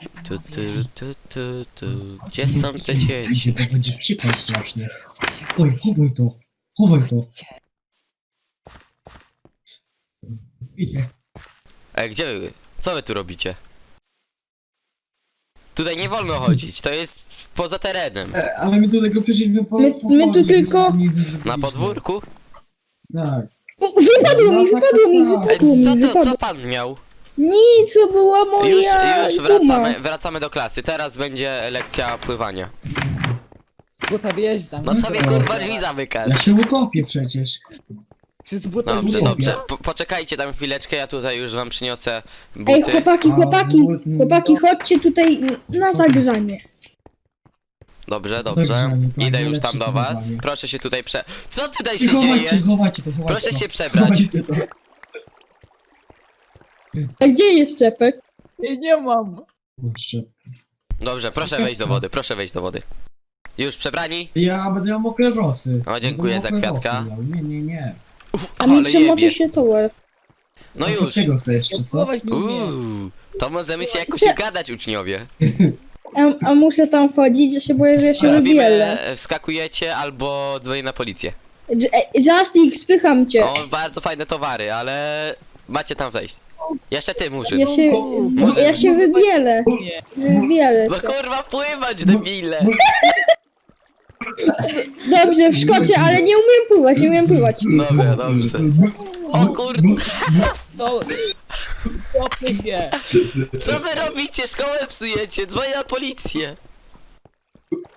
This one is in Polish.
Gdzie są te dzieci? Gdzie to będzie przypał strasznie. Oj, chowaj to. Chowaj to. Idzie. Gdzie wy? Co wy tu robicie? Tutaj nie wolno chodzić, to jest poza terenem. Ale my do tego przyszliśmy po... My tu tylko- Na podwórku? Tak. O, wypadło mi, No, tak, wypadło mi, tak, tak. wypadło mi, Co wypadło. pan miał? Nic, to była moja Już guma. wracamy do klasy. Teraz będzie lekcja pływania. Buta wjeżdżam. No sobie kurwa drzwi Ja zamykasz. się ukopię przecież. Czy z buta Dobrze, Lubię. dobrze. Poczekajcie tam chwileczkę, ja tutaj już wam przyniosę Ej, buty. chłopaki, chodźcie tutaj na zagrzanie. Dobrze, dobrze. Zagrzanie, tak, Idę już najlepsze tam do was. pływanie. Proszę się tutaj Co tutaj I się chowajcie, dzieje? chowajcie to, chowajcie Proszę to. się przebrać. Chowajcie to. A gdzie jest czepek? Ej, nie mam. Kurczę. Dobrze, proszę wejść do wody, proszę wejść do wody. Już przebrani? Ja będę miał mokre włosy. O, dziękuję Będę za mokre kwiatka. włosy miał. Nie. A mi Ale przemoczy jebie. się tower. No A już. Czego chcesz jeszcze, co? Pływać nie umiem. To możemy się jakoś Prze- gadać, uczniowie. A muszę tam wchodzić, że się boję, że ja się wybielę. Robimy, wskakujecie albo dzwonię na policję. Justik, spycham cię. O, bardzo fajne towary, ale macie tam wejść. Jeszcze ty, Murzyn. Ja się wybielę. Nie. Wybielę No się. kurwa, pływać, debile! Dobrze, wskoczę, ale nie umiem pływać, nie umiem pływać. Dobra, dobrze. O kurde, To... Kopnę się. co wy robicie? Szkołę psujecie, dzwonię na policję.